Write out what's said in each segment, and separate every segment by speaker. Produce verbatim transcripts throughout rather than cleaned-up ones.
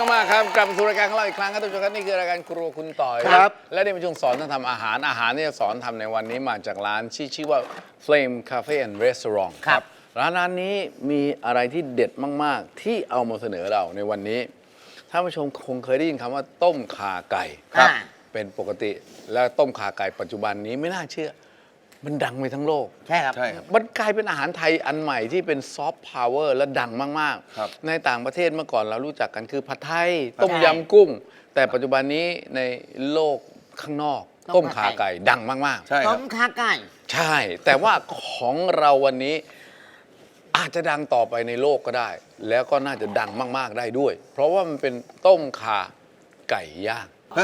Speaker 1: มากครับกลับมาสู่รายการของเราอีกครั้งครับทุกท่านครับนี่คือรายการครัวคุณต่อย
Speaker 2: ครับ
Speaker 1: และนี่เป็นช่วงสอนท่านทำอาหารอาหารที่จะสอนทำในวันนี้มาจากร้านที่ชื่อว่า Flame Cafe and Restaurant
Speaker 2: ครับ
Speaker 1: ร้านร้านนี้มีอะไรที่เด็ดมากๆ ที่เอามาเสนอเราในวันนี้ท่านผู้ชมคงเคยได้ยินคำว่าต้มข่าไก่
Speaker 2: ครับ
Speaker 1: เป็นปกติแล้วต้มข่าไก่ปัจจุบันนี้ไม่น่าเชื่อมันดังไปทั้งโลก
Speaker 2: ใช่ครับ
Speaker 3: ใช่ครับ
Speaker 1: มันกลายเป็นอาหารไทยอันใหม่ที่เป็นซอฟต์พาวเวอร์และดังมาก
Speaker 3: ครับ
Speaker 1: ๆ ในต่างประเทศเมื่อก่อนเรารู้จักกันคือผัดไทย ต้ม
Speaker 2: ใช่
Speaker 1: ยำกุ้ง แต่ปัจจุบันนี้ในโลกข้างนอก
Speaker 2: ต้
Speaker 1: ต้
Speaker 2: ม
Speaker 1: ม
Speaker 2: ข่า
Speaker 1: ขา
Speaker 2: ไก่
Speaker 1: ไก่ดังมาก
Speaker 3: ใช่ค
Speaker 2: ต้
Speaker 3: รับ
Speaker 2: มขาไก่
Speaker 1: ๆ ใช่ แต่ว่าของเราวันนี้อาจจะดังต่อไปในโลกก็ได้ แล้วก็น่าจะดังมาก ๆ ได้ด้วย เพราะว่ามันเป็นต้มขาไก่ย่าง
Speaker 3: ฮะ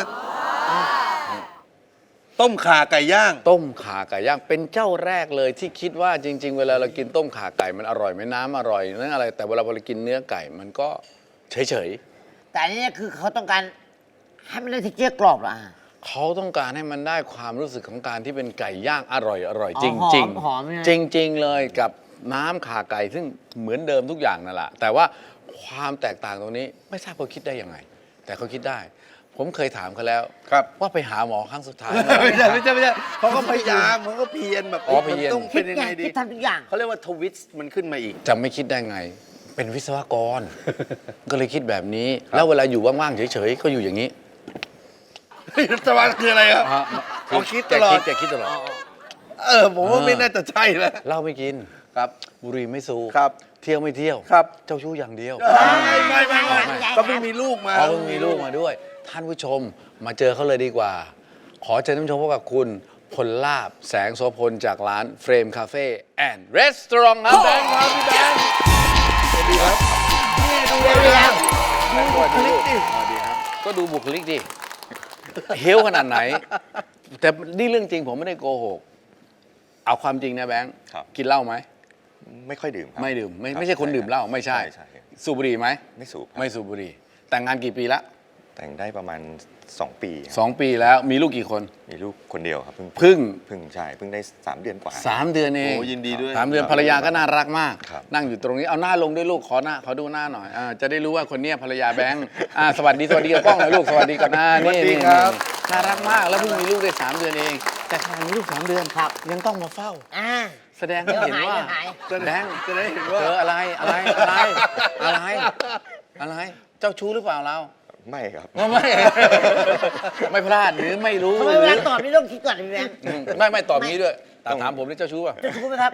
Speaker 3: ต้มข่าไก่ย่าง
Speaker 1: ต้มขาไก่ย่างเป็นเจ้าแรกเลยที่คิดว่าจริง ๆ เวลาเรากินต้มขาไก่มันอร่อยไหมน้ำอร่อยนั่นอะไร แต่เวลาเรากินเนื้อไก่มันก็เฉย
Speaker 2: แต่อันนี้คือเขาต้องการให้มันได้เท็กเจอร์กรอบเหรออ่ะ
Speaker 1: ๆเขาต้องการให้มันได้ความรู้สึกของการที่เป็นไก่ย่างอร่อยอร่อย
Speaker 2: อ๋อ
Speaker 1: จริง
Speaker 2: หอมหอมใช่ไหม
Speaker 1: ๆจริง ๆ เลยกับน้ำขาไก่ซึ่งเหมือนเดิมทุกอย่างนั่นแหละแต่ว่าความแตกต่างตรงนี้ไม่ทราบเขาคิดได้ยังไง แต่เขาคิดได้ ผมเคยถามเขาแล้ว
Speaker 3: ครับ
Speaker 1: ว่าไปหาหมอครั้งสุดท้าย
Speaker 3: ไม่ใช่ไม่ใช่ไม่ใช่เขาก็พยายามเขาก็เพียรแบบ
Speaker 1: อ๋อเพียร
Speaker 3: มันต้อง
Speaker 2: คิ
Speaker 3: เป็
Speaker 2: ด
Speaker 3: นยัง
Speaker 2: ไง
Speaker 3: ไงดี
Speaker 2: คิดทำทุกอย่าง
Speaker 3: เขาเรียกว่าทวิสต์มันขึ้นมาอีก
Speaker 1: จะไม่คิดได้ไง เป็นวิศวกร ก็เลยคิดแบบนี้ แล้วเวลาอยู่ว่างๆเฉยๆก็อยู่อย่างนี้
Speaker 3: สวัสดิ์คืออะไรครับ เขาคิดตลอด
Speaker 1: แกคิดตลอด
Speaker 3: เออผมว่าไม่น่าจะใช่แล้ว
Speaker 1: เหล้าไม่กิน
Speaker 3: ครับ
Speaker 1: บุหรี่ไม่สูบ
Speaker 3: ครับ
Speaker 1: เที่ยวไม่เที่ยว
Speaker 3: ครับ
Speaker 1: เจ้าชู้อย่างเดียว
Speaker 3: ไม่ไม่ไม่ไม่
Speaker 2: ไม่
Speaker 3: ก็ไม่มีลูกมา
Speaker 1: อ๋อเพิ่งมีลูกมาด้วย ท่านผู้ชมมาเจอเขาเลยดีกว่า ขอเชิญท่านผู้ชมพบกับคุณพลลาบแสงโสพลจากร้านเฟรมคาเฟ่แอนด์รีสตอรองครับแบงค์ครับพี่แบงค์สวัสดีครับ
Speaker 3: นี่ดู
Speaker 2: เดี๋ยว
Speaker 3: เลย
Speaker 2: เดี๋ยว
Speaker 1: ดูบุคลิกดิสวัสดีครับ ก็ดูบุคลิกดิเฮลขนาดไหน แต่นี่เรื่องจริงผมไม่ได้โกหก เอาความจริงนะแบงค์
Speaker 4: ครับ
Speaker 1: กินเหล้าไหม
Speaker 4: ไม่ค่อยดื่มครับ
Speaker 1: ไม่ดื่มไม่
Speaker 4: รับ
Speaker 1: ไม่ใช่คนดื่มเหล้าไม่ใช่
Speaker 4: ใช่ครับ
Speaker 1: สูบบุหรี่ไหม
Speaker 4: ไม่สูบครับ
Speaker 1: ไม่สูบบุหรี่แต่งงานกี่ปีละ
Speaker 4: แต่งได้ประมาณสองปีครับ
Speaker 1: สองปีแล้วมีลูกกี่คน
Speaker 4: มีลูกคนเดียวครับเพิ่ง
Speaker 1: พึ่ง
Speaker 4: เพิ่งใช่เพิ่งได้สามเดือนกว่า
Speaker 1: สามเดือนเอง
Speaker 3: โอ้ยินดีด้วย
Speaker 1: สามเดือนภรรยาก็น่ารักมาก
Speaker 4: ครับ
Speaker 1: นั่งอยู่ตรงนี้เอาหน้าลงด้วยลูกขอหน้าขอดูหน้าหน่อยอ่าจะได้รู้ว่าคนเนี้ยภรรยาแบงค์อ่าสวัสดีสวัสดีกับกล้องหน่อยลูกสวัสดีกับหน้านี่นี่นี่น่ารักมากแล้วเพิ่งมีลูกได้สามเดือนเอง แต่ขณะมีลูกสามเดือน
Speaker 2: ครับ
Speaker 1: ยังต้องมาเฝ้า
Speaker 2: อ่า
Speaker 1: แสดงให้เห็นว่า
Speaker 2: เดี๋ยวหาย
Speaker 1: แบงค์
Speaker 3: จะได้เห็นว่า
Speaker 1: เอออะไรอะไรอะไรอะไรอะไรเจ้าชู้หรือเปล่าเรา
Speaker 4: ไม่ครับ
Speaker 1: ไม่ ไม่พลาดหรือไม่รู้
Speaker 2: ทำไม
Speaker 1: ห
Speaker 2: เว
Speaker 1: รือ
Speaker 2: ลาตอบนี่ต้องคิดก่อนพี่แบงค์
Speaker 1: อืมไม่ไม่ตอบงี้ด้วยแต่ถามผมนี่เจ้าชู้ป่ะ
Speaker 2: จะรู้ไหมครับ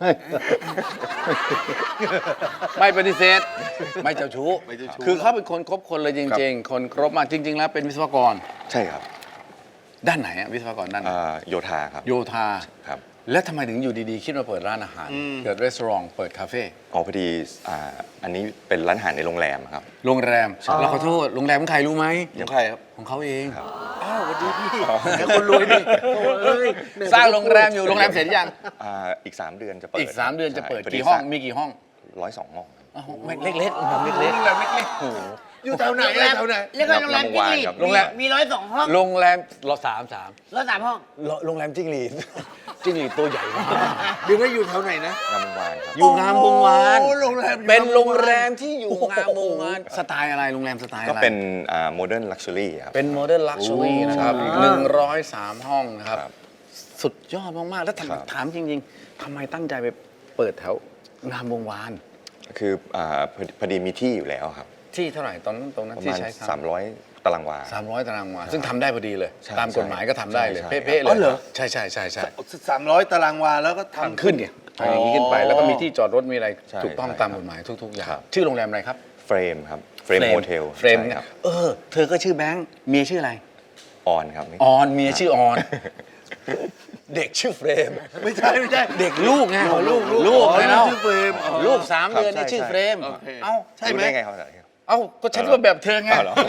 Speaker 1: ไม่ปฏิเสธ ไม่เจ้าชู้
Speaker 3: ไม่เจ้าชู้
Speaker 1: คือเขาเป็นคนครบคนเลยจริง ๆ คนครบมากจริง ๆ แล้วเป็นวิศวกร
Speaker 4: ใช่ครับ
Speaker 1: ด้านไหนอะวิศวกรด้านไหน
Speaker 4: อ่าโยธาครับ
Speaker 1: โยธา
Speaker 4: ครับ
Speaker 1: แล้วทำไมถึงอยู่ดีๆ คิดมาเปิดร้านอาหาร เกิดรีสอร์ทเปิดคาเฟ่
Speaker 4: อ๋อพอดีอ่าอันนี้เป็นร้านอาหารในโรงแรมครับ
Speaker 1: โรงแรมเราขอโทษโรงแรมของใครรู้ไหม
Speaker 3: ของใครครับ
Speaker 1: ของเขาเอง
Speaker 4: ครับ
Speaker 3: อ้าวสวัสดีพี่เดี๋ยวคนรวยดิโอ้ย
Speaker 1: สร้างโรงแรมอยู่โรงแรมเสร็จยัง
Speaker 4: อ่าอีกสามเดือนจะเปิด
Speaker 1: อีกสามเดือนจะเปิด
Speaker 4: ใช่
Speaker 1: กี่ห้องมีกี่ห้อง
Speaker 4: ร้อยสองห้อง
Speaker 1: อ้าวไม่เล็กๆผมเล็ก
Speaker 3: โรงแรมเล็กๆอยู่แถวไหนอะแถวไหน
Speaker 2: เรียกว่าโรงแรมจิ้งหรีด
Speaker 1: โรงแรม
Speaker 2: มีร้อยสองห้อง
Speaker 1: ๆโรงแรมรอสามสาม
Speaker 2: ร้อยสามห้อง
Speaker 1: โรงแรมจิ้งหรีด จิ้งหรีดตัวใหญ่มาก
Speaker 3: เดี๋ยวว่าอยู่แถวไหนนะ
Speaker 4: งามวงวานครับ
Speaker 1: อยู่งามวงวาน
Speaker 3: โอ้โรงแรมอยู่
Speaker 1: เป็นโรง
Speaker 3: งามวงวาน
Speaker 1: แรมที่อยู่งามวงวานสไตล์อะไรโรงแรมสไตล์
Speaker 4: ก็
Speaker 1: อะไร
Speaker 4: เป็นโมเดิร์นลักชัวรี่า modern luxury ครับ
Speaker 1: เป็นโมเดิร์นลักชัวรี่นะครับหนึ่งร้อยสามห้องนะครับ
Speaker 4: ครับ
Speaker 1: สุดยอดมาก ๆ แล้ว
Speaker 4: ครับ
Speaker 1: ทำถามจริง ๆทำไมตั้งใจไปเปิดแถวงามวงวาน
Speaker 4: คืออ่าพอดีพอดีมีที่อยู่แล้วครับ
Speaker 1: ที่เท่าไหร่ตอนนั้นตรงนั้น
Speaker 4: ประ
Speaker 1: ที่
Speaker 4: มาณ
Speaker 1: ใช้
Speaker 4: สามร้อยตารางวา
Speaker 1: สามร้อยตารางวาซึ่งทำได้พอดีเลย
Speaker 4: ใช่
Speaker 1: ตามกฎหมายก็ทำได้เลย
Speaker 4: ใช่
Speaker 1: เป๊ะๆเล
Speaker 3: อ๋อย เหรอ
Speaker 1: ใช่ใช่ใช่ใช่
Speaker 3: สามร้อยตารางวาแล้วก็ทำ
Speaker 1: ทำขึ้นเนี่ยอย่างนี้ขึ้นไป แล้วก็มีที่จอดรถมีอะไร
Speaker 4: ใช่
Speaker 1: ถูกต้อง
Speaker 4: ใช่
Speaker 1: ตาม
Speaker 4: ครับ
Speaker 1: กฎหมายทุก ๆ อย่าง
Speaker 4: ครับ
Speaker 1: ชื่อโรงแรมอะไรครับ
Speaker 4: เฟรมครับเฟรมโฮเทล
Speaker 1: เฟรม
Speaker 4: ใช่
Speaker 1: เนี่ย
Speaker 4: ครับ
Speaker 1: เออ เธอก็ชื่อแบงค์เมียชื่ออะไร
Speaker 4: ออนครับ
Speaker 1: ออนเมียชื่อออน เด็กชื่อเฟรม
Speaker 3: ไม่ใช่ไม่ใช่
Speaker 1: เด็กลูกไง
Speaker 3: อ๋อลูก
Speaker 1: ลูก
Speaker 3: อ๋อ
Speaker 1: ไงเนาะ
Speaker 3: ชื่อเฟรมอ๋อ
Speaker 1: ลูกสาม
Speaker 4: ครับ
Speaker 1: เดือนนี่
Speaker 4: ใช่
Speaker 1: ชื่อ
Speaker 4: ใช่
Speaker 1: เฟรม
Speaker 3: โอเค
Speaker 1: เอ้า
Speaker 3: ใช่ไหม
Speaker 4: รู้ได้ไงครับ
Speaker 1: เอ้าก็ฉันก็แบบเธอไง
Speaker 4: อ้าวเหรอ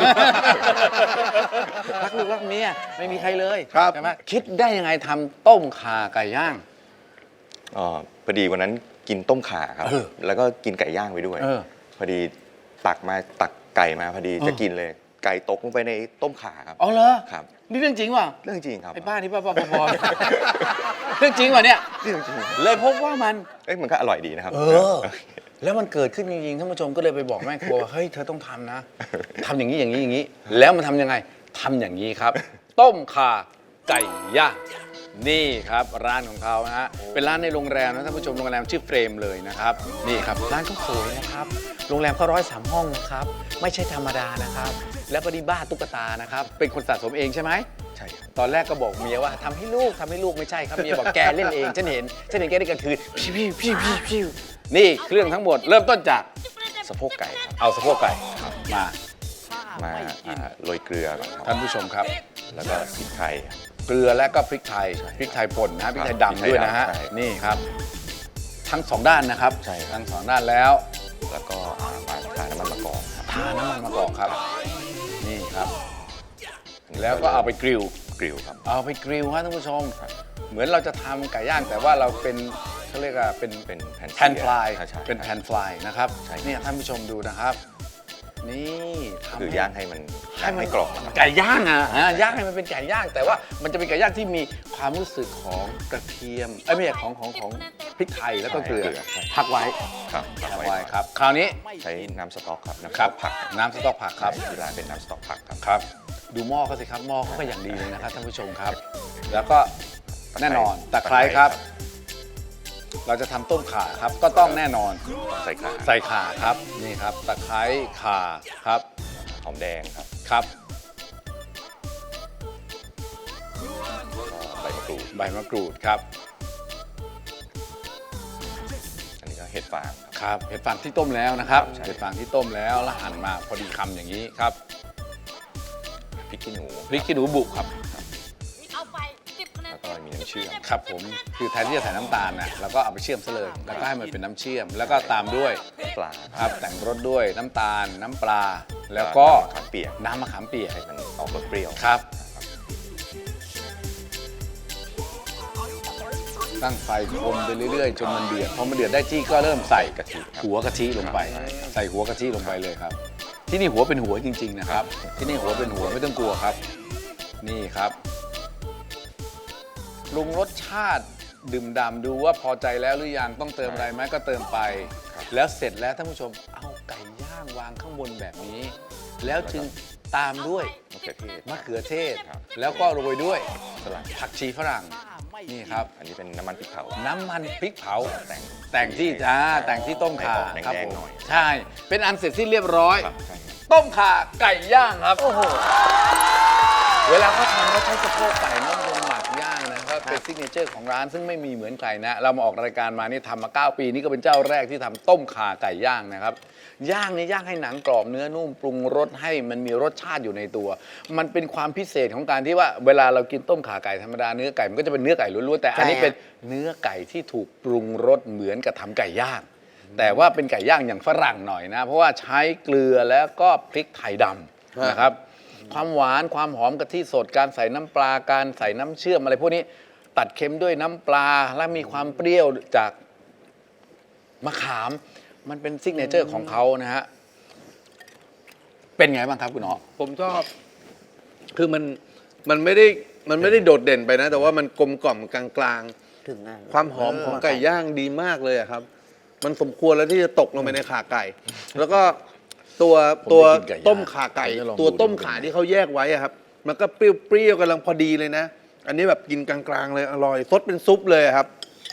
Speaker 1: รักลูกรักเมียไม่มีใครเลย
Speaker 3: ครับ
Speaker 1: ใช่ไหมคิดได้ยังไงทำต้มข่าไก่ย่าง
Speaker 4: อ๋อพอดีวันนั้นกินต้มข่าครับ
Speaker 1: เออ
Speaker 4: แล้วก็กินไก่ย่างไปด้วย
Speaker 1: เออ
Speaker 4: พอดีตักมาตักไก่มาพอดี
Speaker 1: เออ
Speaker 4: จะกินเลย ไก่ตกลงไปในต้มข่าครับ
Speaker 1: อ๋อเหรอ
Speaker 4: ครับ
Speaker 1: นี่เรื่องจริงว่ะ
Speaker 4: เรื่องจริงครับ
Speaker 1: ไอ้บ้าที่บ้าบ้าบอๆเรื่องจริงว่ะเนี่ย
Speaker 4: เรื่องจริง
Speaker 1: เลยพบว่ามัน
Speaker 4: เอ้ยมันก็อร่อยดีนะครับ
Speaker 1: เออแล้วมันเกิดขึ้นจริงๆท่านผู้ชมก็เลยไปบอกแม่ครัวว่าเฮ้ยเธอต้องทำนะทำอย่างนี้อย่างนี้อย่างนี้ แล้วมันทำยังไงทำอย่างนี้ครับ ต้มข่าไก่ย่างนี่ครับร้านของเขานะฮะเป็นร้านในโรงแรมนะท่านผู้ชมโรงแรมชื่อเฟรมเลยนะครับนี่ครับร้านเขาสวยนะครับโรงแรมเขาร้อยสามห้องนะครับไม่ใช่ธรรมดานะครับ แล้วก็ดีบ้าตุ๊กตานะครับเป็นคนสะสมเองใช่ไหม
Speaker 4: ใช่ครับ
Speaker 1: ตอนแรกก็บอกเมียว่าทำให้ลูกทำให้ลูกไม่ใช่ครับเมียบอกแกเล่นเองฉันเห็นฉันเห็นแกได้กลางคืนพิวพิวพิวพิวพิวนี่เครื่องทั้งหมดเริ่มต้นจาก
Speaker 4: สะโพกไก่ครับ
Speaker 1: เอาสะโพกไก่มา
Speaker 4: มาอ่าโรยเกลือก่อนครับ
Speaker 1: ท่านผู้ชมครับ
Speaker 4: แล้วก็พริกไทยครับ
Speaker 1: เกลือและก็พริกไทยพริกไทยป่นนะพริกไทยดำด้วยนะฮะ
Speaker 4: พริกไทยดำใช่
Speaker 1: นี่ครับ ทั้งสองด้านนะครับ
Speaker 4: ใช่ครับ
Speaker 1: ทั้งสองด้านแล้ว
Speaker 4: แล้วก็อ่ามาทาน้ำมันมะกอกครับ
Speaker 1: ทาน้ำมันมะกอกครับ นี่ครับ แล้วก็เอาไปกริล
Speaker 4: กริลครับ
Speaker 1: เอาไปกริลฮะท่านผู้ชม เหมือนเราจะทำไก่ย่างแต่ว่าเราเป็นเขาเรียกว่าเป็น
Speaker 4: เป็นแผ่น
Speaker 1: แผ่นฟลาย
Speaker 4: ใช่ใช่
Speaker 1: เป็นแผ่นฟลายนะครับ
Speaker 4: ใช่ครับ
Speaker 1: เนี่ยท่านผู้ชมดูนะครับ นี่ทำ
Speaker 4: คือย่างให้มัน
Speaker 1: ให้มัน
Speaker 4: ให้กรอบนะครับ
Speaker 1: ไก่ย่างอ่ะฮะย่างให้มันเป็นไก่ย่าง แต่ว่ามันจะเป็นไก่ย่างที่มีความรู้สึกของกระเทียมเอ้ยไม่ใช่ของของของพริกไทยแล้วก็เกลือ
Speaker 4: ใช่เกลือใช่
Speaker 1: พักไว้
Speaker 4: ครับ
Speaker 1: พัก
Speaker 4: ไว้
Speaker 1: ไว้ครับ คราวนี้
Speaker 4: ใช้น้ำสต๊อกครับน้ำส
Speaker 1: ครั
Speaker 4: ต๊
Speaker 1: บอก
Speaker 4: ผัก
Speaker 1: น้ำสต๊อกผักครับ
Speaker 4: ที่ร้านเป็นน้ำสต๊อกผักครับ
Speaker 1: ครับ ดูหม้อเขาสิครับหม้อเขาก็อย่างดีเลยนะครับท่านผู้ชมครับ แล้วก็แน่นอนตะไคร้ครับ เราจะทำต้มข่าครับ ก็ต้องแน่นอน
Speaker 4: ใส่ขา
Speaker 1: ใส่ข่าครับนี่ครับตะไคร้ข่าครับ
Speaker 4: หอมแดงครับ
Speaker 1: ครับ
Speaker 4: แล้วก็ใบมะกรูด
Speaker 1: ใบมะกรูดครับ
Speaker 4: อันนี้ก็เห็ดฟางครับ
Speaker 1: ครับเห็ดฟางที่ต้มแล้วนะครับ
Speaker 4: ใช่
Speaker 1: เห็ดฟางที่ต้มแล้วแล้วหั่นมาพอดีคำอย่างนี้ครับ
Speaker 4: พริกขี้หนู
Speaker 1: พริกขี้หนูบุกครับ
Speaker 5: เอาไปสิบคะแนน
Speaker 4: แล้วก็มีน้ำเชื่อม
Speaker 1: ครับผมคือแทนที่จะใส่น้ำตาลนะเราก็เอาไปเชื่อมซะเลยแล้วก็ให้มันเป็นน้ำเชื่อม แล้วก็ตามด้วย
Speaker 4: ปลา
Speaker 1: ครับแต่งรสด้วยน้ำตาลน้ำปลา แล้วก็
Speaker 4: น้ำมะขามเปียก
Speaker 1: น้ำมะขามเปียก
Speaker 4: ให้มันออกรสเปรี้ยว
Speaker 1: ครับ ตั้งไฟคนไปเรื่อยๆ จนมันเดือดพอมันเดือดได้ที่ก็เริ่มใส่กะทิหัวกะทิลงไป ใส่หัวกะทิลงไปเลยครับ ที่นี่หัวเป็นหัวจริง ๆ นะครับ ที่นี่หัวเป็นหัวไม่ต้องกลัวครับ นี่ครับปรุงรสชาติดื่มด่ำดูว่าพอใจแล้วหรือยังต้องเติมอะไรไหมก็เติมไป แล้วเสร็จแล้วท่านผู้ชมเอาไก่ย่างวางข้างบนแบบนี้ แล้วจึงตามด้วย
Speaker 4: มะเขือเทศ
Speaker 1: มะเขือเทศ
Speaker 4: ครับ
Speaker 1: แล้วก็โรยด้วย
Speaker 4: สลัด
Speaker 1: ผักชีฝรั่งนี่ครับ
Speaker 4: อันนี้เป็นน้ำมันพริกเผา
Speaker 1: น้ำมันพริกเผา
Speaker 4: แต่ง
Speaker 1: แต่งที่อ่าแต่งที่ต้มข่า
Speaker 4: ให้ออก
Speaker 1: ครับ
Speaker 4: แด
Speaker 1: ผ
Speaker 4: ง
Speaker 1: ม
Speaker 4: ๆหน่อย
Speaker 1: ใช่ เป็นอันเสร็จสิ้นเรียบร้อย
Speaker 4: ครับใช่ครับ
Speaker 1: ต้มข่าไก่ย่างครับ โอ้โห เวลาเขาทำเขาใช้สะโพกไก่นะมันเป็นหมักย่างนะครับเป็นซิกเนเจอร์ของร้านซึ่งไม่มีเหมือนใครนะ เรามาออกรายการมานี่ทำมาเก้าปีนี่ก็เป็นเจ้าแรกที่ทำต้มข่าไก่ย่างนะครับ ย่างนี่ย่างให้หนังกรอบเนื้อนุ่มปรุงรสให้มันมีรสชาติอยู่ในตัว มันเป็นความพิเศษของการที่ว่าเวลาเรากินต้มข่าไก่ธรรมดาเนื้อไก่มันก็จะเป็นเนื้อไก่ล้วนๆแต่อันนี้เป็นเนื้อไก่ที่ถูกปรุงรสเหมือนกับทำไก่ย่าง แต่ว่าเป็นไก่ย่างอย่างฝรั่งหน่อยนะ เพราะว่าใช้เกลือแล้วก็พริกไทยดำนะครับ ความหวานความหอมกะทิสดการใส่น้ำปลาการใส่น้ำเชื่อมอะไรพวกนี้ตัดเค็มด้วยน้ำปลาและมีความเปรี้ยวจากมะขาม มันเป็นซิกเนเจอร์ของเขานะฮะเป็นไงบ้างครับคุณอ๋อ
Speaker 3: ผมชอบ คือมันมันไม่ได้มันไม่ได้โดดเด่นไปนะ แต่ว่ามันกลมกล่อมกลาง
Speaker 2: ถึงนะ
Speaker 3: ๆ ความหอมของไก่ย่างดีมากเลยอะครับ มันสมควรแล้วที่จะตกลงไปในขาไก่ แล้วก็ตัวตัวต้มขาไก่ ตัวต้มขาที่เขาแยกไว้อะครับ มันก็เปรี้ยวๆกำลังพอดีเลยนะ อันนี้แบบกินกลางๆเลยอร่อยซดเป็นซุปเลยอะครับ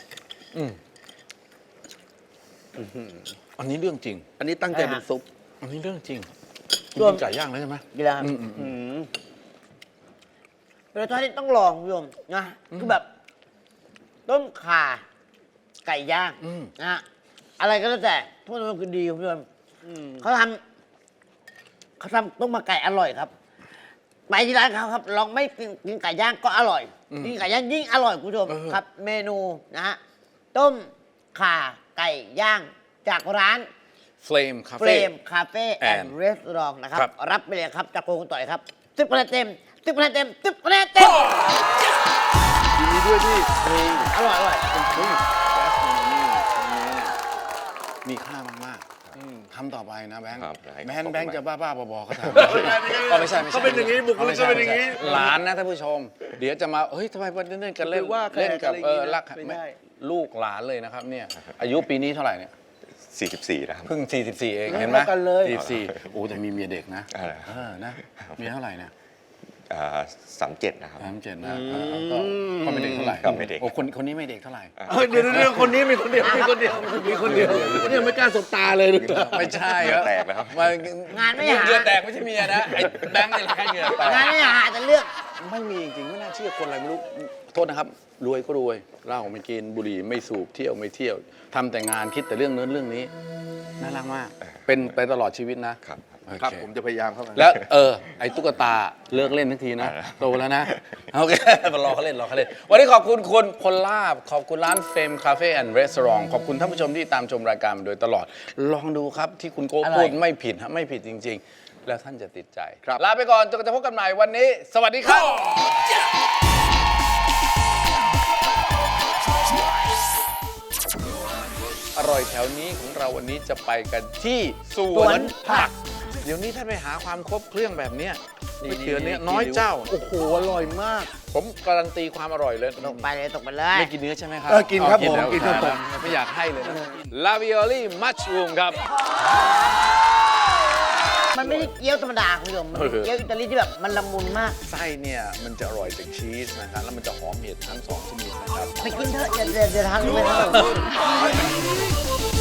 Speaker 1: อันนี้เรื่องจริง
Speaker 3: อันนี้ตั้งใจเป็นซุป
Speaker 1: อันนี้เรื่องจริง
Speaker 2: รวม
Speaker 1: กินไก่ย่างแล้วใช่ไหม
Speaker 2: กีฬา
Speaker 1: อืมอืมอืม
Speaker 2: เป็นรสชาติที่ต้องลองคุณผู้ชมนะคือแบบ ต้มข่าไก่ย่าง
Speaker 1: อืม
Speaker 2: นะฮะอะไรก็แล้วแต่ทุกอย่างมันคือดีคุณผู้ชมเขาทำเขาทำต้มมาไก่อร่อยครับไปที่ร้านเขาครับลองไม่กินกินไก่ย่างก็อร่อยกินไก่ย่างยิ่งอร่อยคุณผู้ชมครับ เมนูนะฮะต้มข่าไก่ย่างจากร้าน
Speaker 1: เฟลมคา
Speaker 2: เฟร
Speaker 1: เฟ่
Speaker 2: มคาเฟ่แอน
Speaker 1: and
Speaker 2: ด์รีสอร์ทนะครับ
Speaker 1: ครับ
Speaker 2: รับไปเลยครับจากโกงต่อยครับสิบคะแนนเต็มสิบคะแนนเต็มสิบคะแนนเต็ม
Speaker 3: ยินดีด้วยที่
Speaker 2: อร่อยอร่อย
Speaker 1: เป็นเฮ้ยแก๊สโนนี่ตรงนี้เนี่ยมีค่ามากๆทำต่อไปนะแบงค์
Speaker 4: ครับได้ครับ
Speaker 1: แบงค์แบงค์
Speaker 4: ขอบคุณ
Speaker 1: จะบ้าๆบอๆก็ทำ ก็ไม่ใช่ไม่ใช่
Speaker 3: เขาเป็นอย่างนี้บุคลิกเขาเป็นอย่างนี้
Speaker 1: หลานนะท่านผู้ชม เดี๋ยวจะมาเฮ้ยทำไมวันนี้เล่นกันเล่น
Speaker 3: ไปว่าแขก
Speaker 1: เล่นกับ
Speaker 3: อะไรอย่าง
Speaker 1: เอ
Speaker 3: งี้
Speaker 1: อ
Speaker 3: นะ
Speaker 1: รัก
Speaker 3: ไม่ได้
Speaker 1: ลูกหลานเลยนะครับเนี่ยอายุปีนี้เท่าไหร่เนี่ย
Speaker 4: สี่สิบสี่แล้วครับ
Speaker 1: เพิ่ง สี่สิบสี่ เอง เห็นไหม
Speaker 3: เท่ากันเลย
Speaker 1: สี่สิบสี่โอ้แต่มีเมียเด็กนะ
Speaker 4: อะไร
Speaker 1: เออนะเมียเท่าไหร่นะ
Speaker 4: สามเจ็ดนะครับ
Speaker 1: สามเจ็ดนะเออก็ก็ไม่เด็กเท่าไหร่
Speaker 4: ก็ไม่เด็ก
Speaker 1: โอ้คนคนนี้ไม่เด็กเท่าไหร่
Speaker 3: เออเดี๋ยวเดี๋ยวคนนี้มีคนเดียวมีคนเดียวมีคนเดียวเนี่ยไม่กล้าสบตาเลยดูตา
Speaker 1: ไม่ใช่
Speaker 4: เหงื่อแตกแล้วครับ
Speaker 1: มัน
Speaker 2: งานไม่หา
Speaker 1: เหงื่อแตกไม่ใช่เมียนะไอ้แบงค์นี่แหละแค่เหงื่อแตก
Speaker 2: งานไม่หาแต่เลือก
Speaker 1: ไม่มีจริงๆไม่น่าเชื่อคนอะไรไม่รู้โทษนะครับ รวยก็รวยเหล้าไม่กินบุหรี่ไม่สูบเที่ยวไม่เที่ยวทำแต่งานคิดแต่เรื่องนั้นเรื่องนี้น่ารักมาก เป็นไปตลอดชีวิตนะครับ โอเ
Speaker 3: ครับผมจะพยายามเข้ามา
Speaker 1: แล้วเออไอ้ตุ๊กตาเลิกเล่นทันทีนะ
Speaker 4: อ่า
Speaker 1: โตแล้วนะโอเครอเขาเล่นรอเขาเล่นวันนี้ขอบคุณคุณพลลาบขอบคุณร้านเฟมคาเฟ่แอนด์รีสอร์ทขอบคุณท่านผู้ชมที่ตามชมรายการมาโดยตลอด ลองดูครับที่คุณโก้
Speaker 2: อร่อย
Speaker 1: พูดไม่ผิดฮะไม่ผิดจริง ๆ แล้วท่านจะติดใจ
Speaker 3: ครับ
Speaker 1: ลาไปก่อนจนกว่าจะพบกันใหม่วันนี้ สวัสดีครับ อร่อยแถวนี้ของเราวันนี้จะไปกันที่สวนผัก เดี๋ยวนี้ท่านไปหาความครบเครื่องแบบเนี้ยก๋วยเตี๋ยวเนี้ยน้อยเจ้า
Speaker 3: โอ้โหอร่อยมาก
Speaker 1: ผมการันตีความอร่อยเลย
Speaker 2: ตกไปเลยตกไปเลย
Speaker 1: ไม่กินเนื้อใช่ไหมครับ
Speaker 3: เออกินครับ
Speaker 1: อ๋อ
Speaker 3: ผม
Speaker 1: แล้ว
Speaker 3: กินครับผม
Speaker 1: ไม่อยากให้เลยนะลาวิโอลี่มัชรูมครับ
Speaker 2: มันไม่ได้เกี๊ยวธรรมดาคุณผู้ชมมันเป็นเกี๊ยวอิตาลีที่แบบมันละมุนมาก
Speaker 1: ไส้เนี่ยมันจะอร่อยจากชีสนะครับแล้วมันจะหอมเห็ดทั้งสองชนิดนะครับ
Speaker 2: ไปกินเถอะอย่าอย่าอย่าทานเลยครับ